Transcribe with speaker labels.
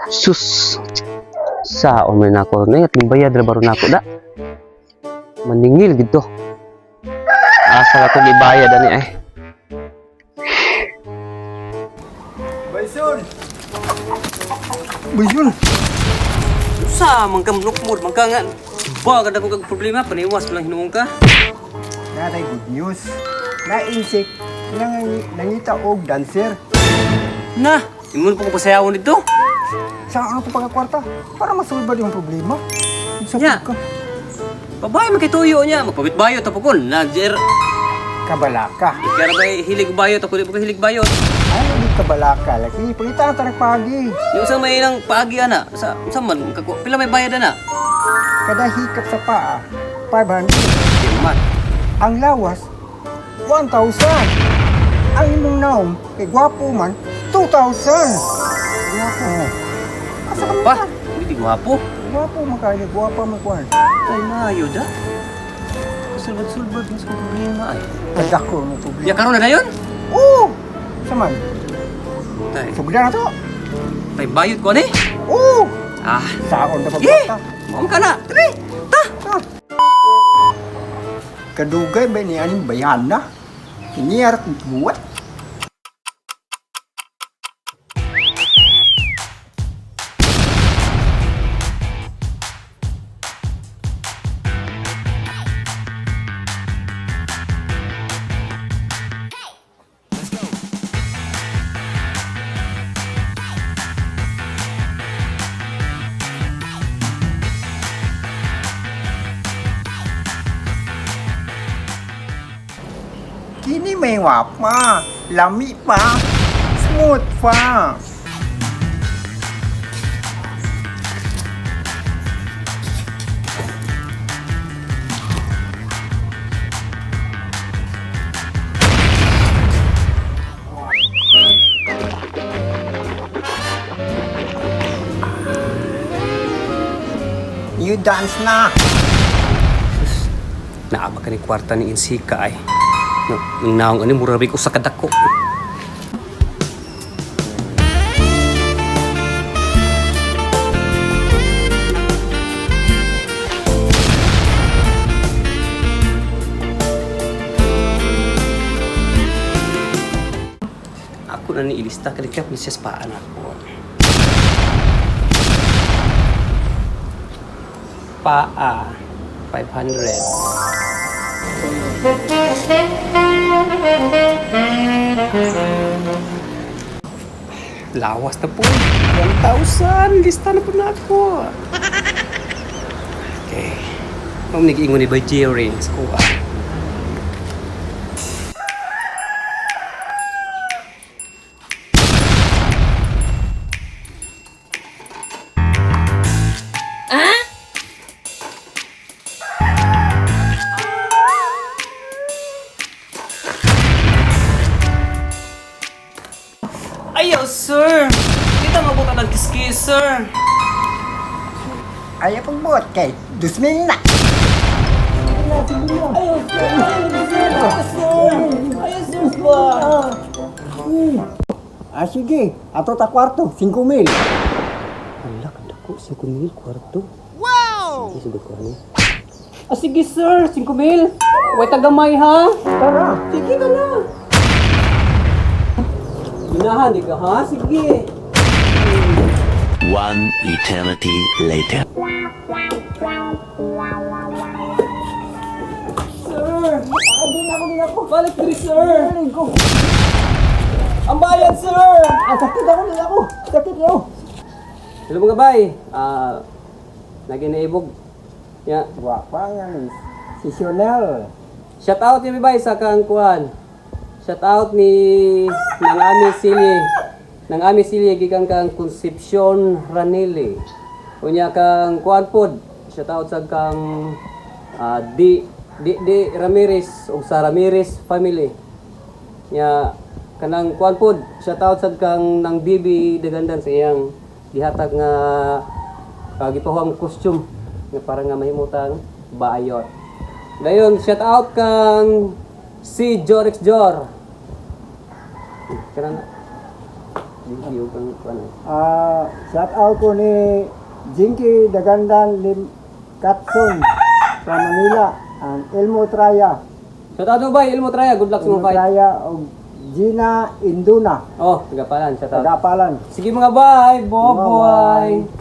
Speaker 1: Sus. Saon man nako na at bayad ra baro nako da. Maningil gito. Asa ako gibayad ani ay.
Speaker 2: Baysun! Baysun!
Speaker 3: Sa mangkamlok mo, mangkangan. Ba kada ko kag problema paniwas lang hinuong ka.
Speaker 2: Natay good news. Na-insect nangita og dancer.
Speaker 3: Na, imon pa ko pasayawon dito.
Speaker 2: Saan ako pagkakwarta? Para masulbad yung problema.
Speaker 3: Nya.
Speaker 2: Ka.
Speaker 3: Babay makituyo niya, magpabit bayot ta pukon. Najer.
Speaker 2: Kabalaka.
Speaker 3: Kaya ba hilig bayot ako di pa hilig bayot.
Speaker 2: Ano di kabalaka? Laki, pagkita ka pagi.
Speaker 3: Yung sa may nang paagi ana sa man pila may bayad ana.
Speaker 2: Kada hikap sa paa, 500.
Speaker 3: Di man.
Speaker 2: Ang lawas, 1,000. Ang imong naom, kay gwapo man, 2,000. Gwapo mo. Asa ka
Speaker 3: Pa,
Speaker 2: man?
Speaker 3: hindi gwapo.
Speaker 2: Gwapo mo kaya, gwapo mo kuhan.
Speaker 3: Ay maayo da. Sulbad-sulbad mas ko problema ay.
Speaker 2: Kadako mo problema.
Speaker 3: Ya karon na dayon.
Speaker 2: Oo! Saman,
Speaker 3: Tay,
Speaker 2: sugda na to.
Speaker 3: tay bayot ko ni.
Speaker 2: Oo!
Speaker 3: Ah,
Speaker 2: Saon na
Speaker 3: eh.
Speaker 2: pagkata.
Speaker 3: Mom ka na. Dali. Ta.
Speaker 2: Kadugay ba ni aning bayan na? Iniyar kong buwat. Kini may wapa, lami pa, smooth pa. You dance na.
Speaker 3: Naaba ka ni kwarta ni Insika ay. Nung naong ani murabi ko sa kadako. Ako na ni ilista kalikap ni siya sa paan ako. Paa 500. Lawas na po. 1,000. Lista na po na ako. Okay. Ma'am, nag-iingon ni ba Jerry sa kuha? Ayaw, sir! Kita mabuta ng kiskis, sir!
Speaker 2: Ayaw pang buhat kay, 2,000 na. Sige, ato ta kwarto, 5,000.
Speaker 3: Ala, kanda ko, 5,000 kwarto. Wow! Sige, sagot ko, ano? Sige, sir! 5,000! Huwag tagamay, ha?
Speaker 2: Tara.
Speaker 3: Sige ka na! Ginahan, di ka, ha? Sige!
Speaker 4: One eternity later.
Speaker 3: Sir! Din ako! Balik diri, sir! Balik ko! Ang bayad, sir!
Speaker 2: Sakit ako. Sakit ako.
Speaker 3: Hello mga bay! Lagi na ibog. Ya.
Speaker 2: Wapa nga ni, si Sionel.
Speaker 3: Shout out ni bay sa kang kuan. Shout out ni nang Ami Silye. Nang Ami Silye gikan kang Concepcion Ranile. Unya kang kuan pod. Shout out sa kang di Ramirez ug sa Ramirez family. Nya kanang kuan pod. Shout out sa kang nang Bibi Dagandan sa iyang gihatag nga gipahong costume nga para nga mahimutang baayot. Dayon shout out kang si Jorix Jor. Kanang Jinky ug kang kuan.
Speaker 2: Shout out ko ni Jinky Dagandan Lim Katson from Manila and Elmo Traya.
Speaker 3: Shout out mo bay, Ilmo Traya, good luck sa
Speaker 2: Elmo
Speaker 3: mga fight.
Speaker 2: Traya o Gina Induna.
Speaker 3: Oh, tagapalan, shout out.
Speaker 2: Tagapalan.
Speaker 3: Sige mga bay, boboy.